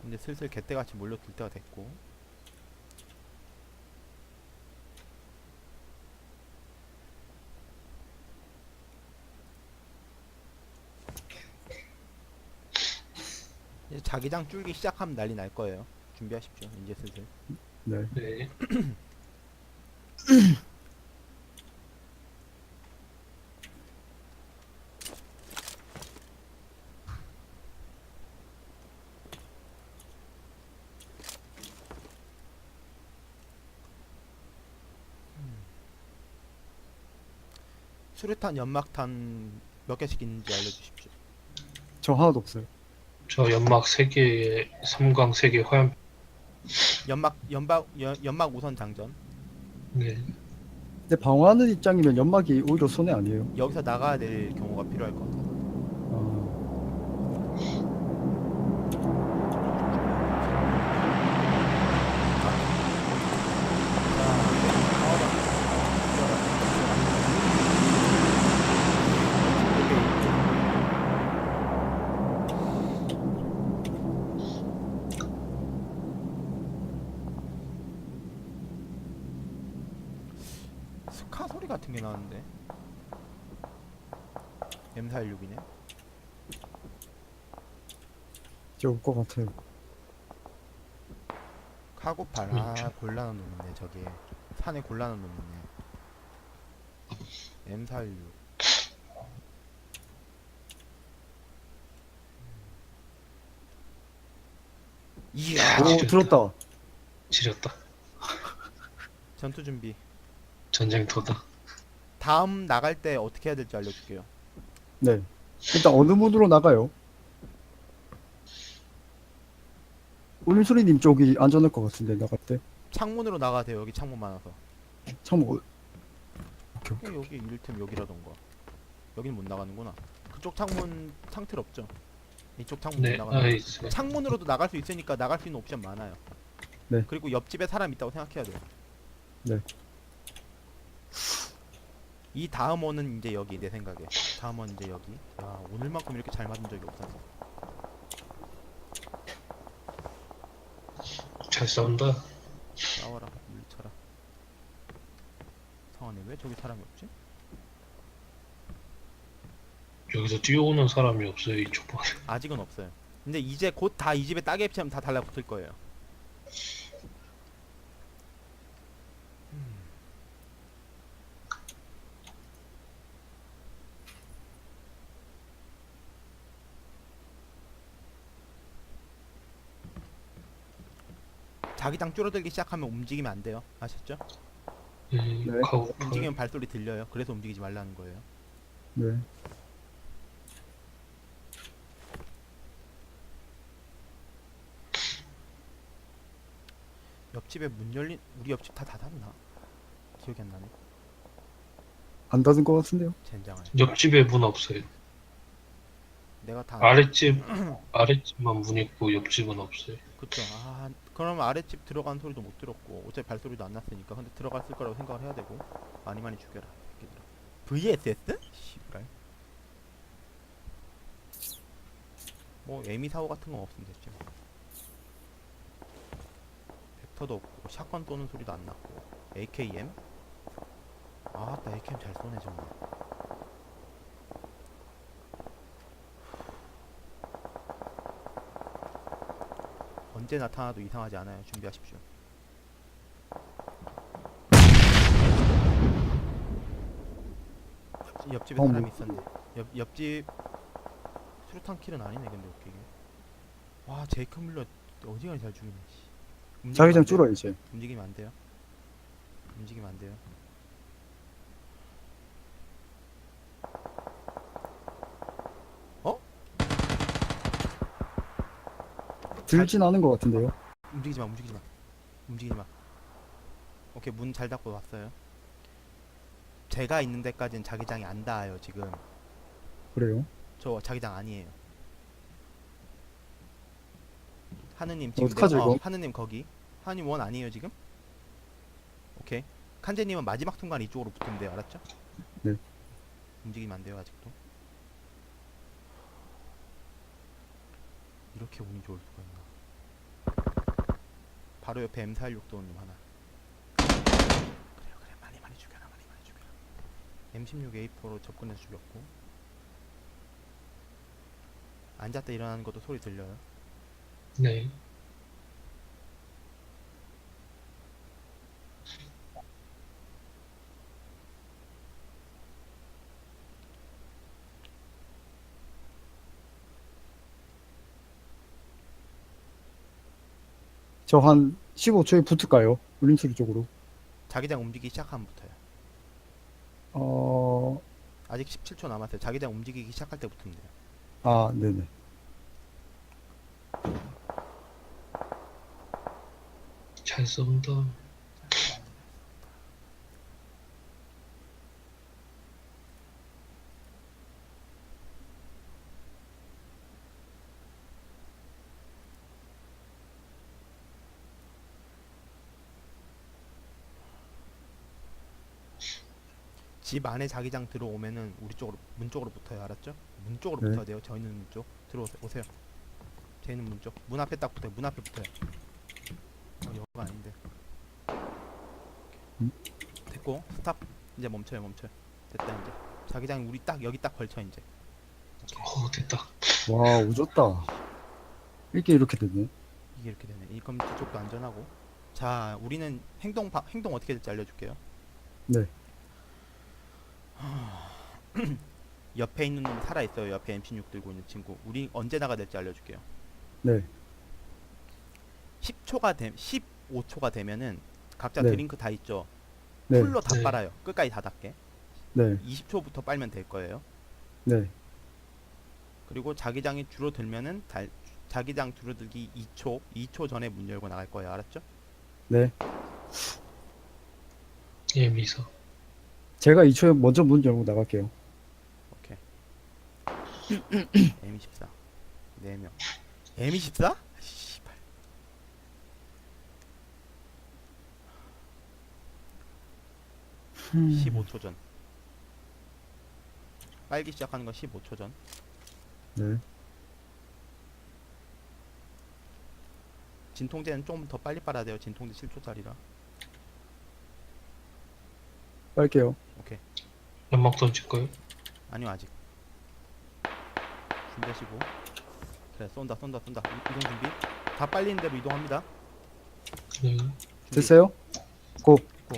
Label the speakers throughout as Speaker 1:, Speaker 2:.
Speaker 1: 이제 슬슬 개떼같이 몰려들 때가 됐고. 이제 자기장 줄기 시작하면 난리 날 거예요. 준비하십시오. 이제 슬슬.
Speaker 2: 네.
Speaker 3: 네.
Speaker 1: 수류탄, 연막탄 몇 개씩 있는지 알려주십시오.
Speaker 2: 저 하나도 없어요.
Speaker 3: 저 연막 3개에 섬광 3개 화염.
Speaker 1: 연막 우선 장전.
Speaker 3: 네.
Speaker 2: 근데 방어하는 입장이면 연막이 오히려 손해 아니에요.
Speaker 1: 여기서 나가야 될 경우가 필요할 것 같아서.
Speaker 2: 아,
Speaker 1: 스카 소리 같은 게 나는데. M416이네.
Speaker 2: 이제 올 것 같아요.
Speaker 1: 카고팔. 아, 곤란한 놈이네. 저게 산에 곤란한 놈이네. M416. 이야.
Speaker 3: 아,
Speaker 2: 오,
Speaker 3: 지렸다.
Speaker 2: 들었다.
Speaker 3: 지렸다.
Speaker 1: 전투 준비.
Speaker 3: 전쟁터다.
Speaker 1: 다음 나갈 때 어떻게 해야 될지 알려줄게요.
Speaker 2: 네. 일단 어느 문으로 나가요? 울림소리님 쪽이 안전할 것 같은데, 나갈 때.
Speaker 1: 창문으로 나가야 돼요. 여기 창문 많아서.
Speaker 2: 창문, 오케이, 오케이.
Speaker 1: 여기 이를테면 여기라던가. 여긴 못 나가는구나. 그쪽 창문 상틀 없죠? 이쪽 창문 못
Speaker 3: 네.
Speaker 1: 나가는
Speaker 3: 아,
Speaker 1: 거.
Speaker 3: 있어요.
Speaker 1: 창문으로도 나갈 수 있으니까 나갈 수 있는 옵션 많아요.
Speaker 2: 네.
Speaker 1: 그리고 옆집에 사람 있다고 생각해야 돼요.
Speaker 2: 네.
Speaker 1: 이 다음 원은 이제 여기 내 생각에. 다음 원 이제 여기. 야, 오늘만큼 이렇게 잘 맞은 적이 없어서.
Speaker 3: 잘 싸운다.
Speaker 1: 싸워라. 물리쳐라. 성환이 왜 저기 사람이 없지?
Speaker 3: 여기서 뛰어오는 사람이 없어요, 이쪽 방.
Speaker 1: 아직은 없어요. 근데 이제 곧 다 이 집에 따개 피하면 다 달라붙을 거예요. 자기장 줄어들기 시작하면 움직이면 안 돼요. 아셨죠?
Speaker 3: 네.
Speaker 2: 네.
Speaker 3: 카고팔.
Speaker 1: 움직이면 발소리 들려요. 그래서 움직이지 말라는 거예요.
Speaker 2: 네.
Speaker 1: 옆집에 문 열린 우리 옆집 다 닫았나? 기억이 안 나네.
Speaker 2: 안 닫은 것 같은데요?
Speaker 1: 젠장을.
Speaker 3: 옆집에 문 없어요.
Speaker 1: 내가 다
Speaker 3: 아랫집만 문 있고 옆집은 없어요.
Speaker 1: 그쵸. 아, 그럼 아랫집 들어간 소리도 못 들었고 어차피 발소리도 안 났으니까. 근데 들어갔을 거라고 생각을 해야 되고. 많이 많이 죽여라 새끼들아. VSS? 씨발. 뭐 에미 사고 같은 건 없으면 됐지 뭐. 벡터도 없고 샷건 쏘는 소리도 안 났고. AKM? 아따 AKM 잘 쏘네 정말. 언제 나타나도 이상하지 않아요. 준비하십시오. 옆집에
Speaker 2: 어,
Speaker 1: 사람이
Speaker 2: 뭐.
Speaker 1: 있었네. 옆집 수류탄 킬은 아니네. 근데 웃기게. 와 제이크 밀러 어지간히 잘 죽이네. 씨. 움직이면
Speaker 2: 자기장
Speaker 1: 안 돼요.
Speaker 2: 줄어, 이제.
Speaker 1: 움직이면 안 돼요. 움직이면 안 돼요. 어?
Speaker 2: 들진 않은 것 같은데요?
Speaker 1: 움직이지 마. 움직이지 마. 움직이지 마. 오케이 문 잘 닫고 왔어요. 제가 있는 데까지는 자기장이 안 닿아요 지금.
Speaker 2: 그래요?
Speaker 1: 저 자기장 아니에요. 하느님 지금
Speaker 2: 어떡하죠, 이거?
Speaker 1: 하느님 거기. 하느님 원 아니에요 지금? 오케이. 칸제님은 마지막 순간 이쪽으로 붙으면 돼요. 알았죠?
Speaker 2: 네.
Speaker 1: 움직이면 안 돼요 아직도. 이렇게 운이 좋을 수가 있나? 바로 옆에 M416도 님 하나. 그래 많이 죽여라. M16 A4로 접근해서 죽였고. 앉았다 일어나는 것도 소리 들려요.
Speaker 3: 네.
Speaker 2: 저 한 15초에 붙을까요? 울림소리 쪽으로.
Speaker 1: 자기장 움직이기 시작하면 붙어요.
Speaker 2: 어,
Speaker 1: 아직 17초 남았어요. 자기장 움직이기 시작할 때 붙으면 돼요.
Speaker 2: 아, 네네.
Speaker 3: 잘 쏜다.
Speaker 1: 집 안에 자기장 들어오면은 우리 쪽으로 문 쪽으로 붙어요. 알았죠? 문 쪽으로
Speaker 2: 네.
Speaker 1: 붙어야 돼요. 저 있는 문 쪽. 들어오세요. 제 있는 문 쪽. 문 앞에 딱 붙어요. 문 앞에 붙어요. 여기가 아닌데. 됐고 스탑. 이제 멈춰요. 됐다 이제. 자기장 우리 딱 여기 딱 걸쳐 이제.
Speaker 3: 됐다.
Speaker 2: 와, 오졌다. 이렇게 되네.
Speaker 1: 이게 이렇게 되네. 이 그럼 뒤쪽도 안전하고. 자, 우리는 행동 어떻게 될지 알려줄게요.
Speaker 2: 네.
Speaker 1: 옆에 있는 놈 살아 있어요. 옆에 M16 들고 있는 친구. 우리 언제 나가 될지 알려줄게요.
Speaker 2: 네.
Speaker 1: 15초가 되면은 각자
Speaker 2: 네.
Speaker 1: 드링크 다 있죠.
Speaker 2: 네.
Speaker 1: 풀로 다
Speaker 3: 네.
Speaker 1: 빨아요. 끝까지 다 닿게.
Speaker 2: 네.
Speaker 1: 20초부터 빨면 될 거예요.
Speaker 2: 네.
Speaker 1: 그리고 자기장이 줄어들면은 자기장 줄어들기 2초 전에 문 열고 나갈 거예요. 알았죠?
Speaker 2: 네.
Speaker 3: 예, 미사.
Speaker 2: 제가 2초에 먼저 문 열고 나갈게요.
Speaker 1: 오케이. M24 4명. M24? 씨발.
Speaker 2: 음.
Speaker 1: 15초 전. 빨기 시작하는 건 15초 전.
Speaker 2: 네.
Speaker 1: 진통제는 좀 더 빨리 빨아야 돼요. 진통제 7초짜리라.
Speaker 2: 빨게요.
Speaker 1: 오케이.
Speaker 3: 연막 던질까요?
Speaker 1: 아니요 아직. 준비하시고. 그래 쏜다. 이동 준비. 다 빨리는 대로 이동합니다.
Speaker 3: 네.
Speaker 1: 준비.
Speaker 2: 됐어요? 고.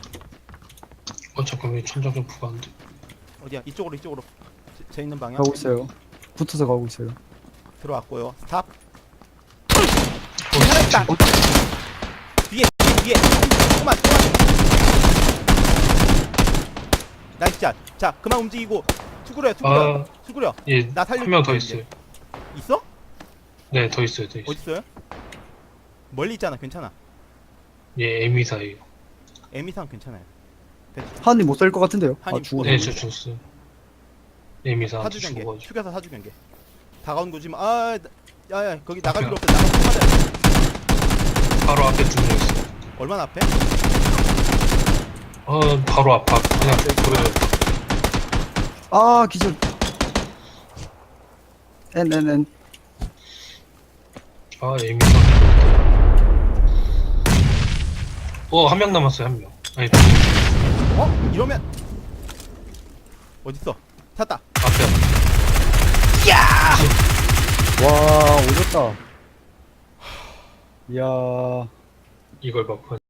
Speaker 3: 잠깐만, 천장 점프가 안 돼.
Speaker 1: 어디야? 이쪽으로. 제 있는 방향.
Speaker 2: 가고 있어요. 붙어서 가고 있어요.
Speaker 1: 들어왔고요. 스탑. 살아있다. 뒤에. 조금만. 나이스 샷. 자, 그만 움직이고 수그려.
Speaker 3: 예,
Speaker 1: 나 살려줄게,
Speaker 3: 한 명 더
Speaker 1: 이제.
Speaker 3: 있어요.
Speaker 1: 있어?
Speaker 3: 네, 더 있어요.
Speaker 1: 어딨어요? 멀리 있잖아. 괜찮아.
Speaker 3: 예, 에미사예요.
Speaker 1: M 이상 괜찮아요.
Speaker 2: 한이 못 살 것 같은데요. 아,
Speaker 1: 한이
Speaker 2: 죽었네.
Speaker 3: 네, 저 죽었어요. 에미사한테
Speaker 1: 사주 경계.
Speaker 3: 죽어가지고.
Speaker 1: 축여서 사주 경계. 다가온 거지 마. 야야 거기 나갈 필요 없어. 나가서 맞아.
Speaker 3: 바로 앞에 두 명 있어요.
Speaker 1: 얼마나 앞에?
Speaker 3: 바로 앞. 그냥 보여요.
Speaker 2: 아, 기절. N.
Speaker 3: 에미사. 한 명 남았어요, 한 명. 아니,
Speaker 1: 이러면 어딨어? 찾다.
Speaker 3: 앞에.
Speaker 2: 와, 오졌다. 이야.
Speaker 3: 이걸 막